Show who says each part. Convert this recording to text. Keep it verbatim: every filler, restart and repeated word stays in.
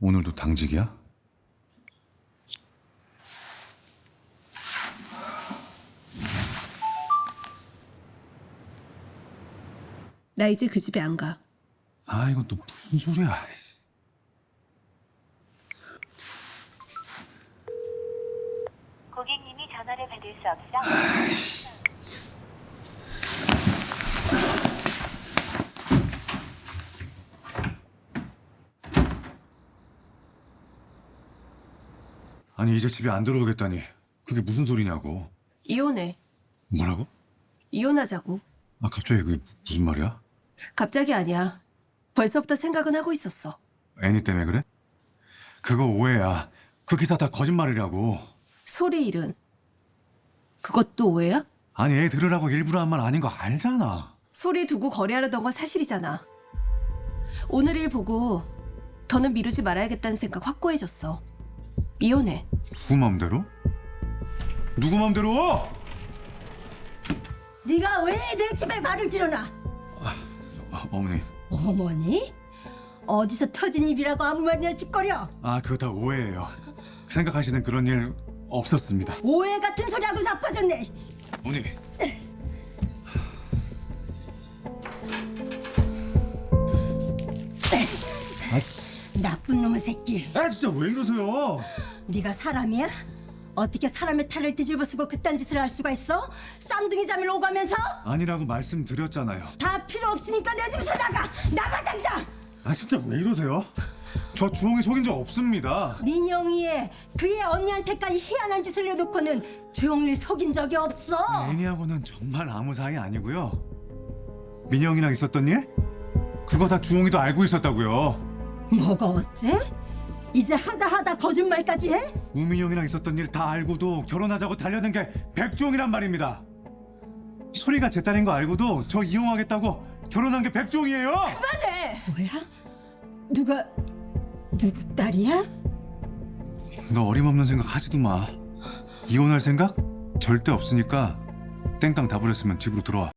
Speaker 1: 오늘도 당직이야?
Speaker 2: 나 이제 그 집에 안 가.
Speaker 1: 아, 이건 또 무슨 소리야.
Speaker 3: 고객님이 전화를 받을 수 없어
Speaker 1: 아니, 이제 집에 안 들어오겠다니. 그게 무슨 소리냐고.
Speaker 2: 이혼해.
Speaker 1: 뭐라고?
Speaker 2: 이혼하자고.
Speaker 1: 아, 갑자기 그게 무슨 말이야?
Speaker 2: 갑자기 아니야. 벌써부터 생각은 하고 있었어.
Speaker 1: 애니 때문에 그래? 그거 오해야. 그 기사 다 거짓말이라고.
Speaker 2: 소리 일은 그것도 오해야?
Speaker 1: 아니, 애 들으라고 일부러 한 말 아닌 거 알잖아.
Speaker 2: 소리 두고 거래하려던 건 사실이잖아. 오늘 일 보고 더는 미루지 말아야겠다는 생각 확고해졌어. 이혼해.
Speaker 1: 누구 맘대로? 누구 맘대로?
Speaker 4: 네가 왜 내 집에 말을 들여놔?
Speaker 1: 아, 어머니.
Speaker 4: 어머니? 어디서 터진 입이라고 아무 말이나 짓거려?
Speaker 1: 아, 그거 다 오해예요. 생각하시는 그런 일 없었습니다.
Speaker 4: 오해 같은 소리하고 자빠졌네.
Speaker 1: 어머니.
Speaker 4: 나쁜 놈의 새끼.
Speaker 1: 아, 진짜 왜 이러세요?
Speaker 4: 네가 사람이야? 어떻게 사람의 탈을 뒤집어 쓰고 그딴 짓을 할 수가 있어? 쌍둥이 잠을 오가면서?
Speaker 1: 아니라고 말씀드렸잖아요.
Speaker 4: 다 필요 없으니까 내 집에서 나가! 나가 당장!
Speaker 1: 아, 진짜 왜 이러세요? 저 주홍이 속인 적 없습니다.
Speaker 4: 민영이의 그의 언니한테까지 희한한 짓을 내놓고는 조용히를 속인 적이 없어.
Speaker 1: 애니하고는 정말 아무 사이 아니고요. 민영이랑 있었던 일? 그거 다 주홍이도 알고 있었다고요.
Speaker 4: 뭐가 어째? 이제 하다 하다 거짓말까지 해?
Speaker 1: 우민영이랑 있었던 일 다 알고도 결혼하자고 달려든 게 백종이란 말입니다. 소리가 제 딸인 거 알고도 저 이용하겠다고 결혼한 게 백종이에요.
Speaker 4: 뭐야? 누가 누구 딸이야?
Speaker 1: 너 어림없는 생각 하지도 마. 이혼할 생각? 절대 없으니까 땡깡 다 부렸으면 집으로 들어와.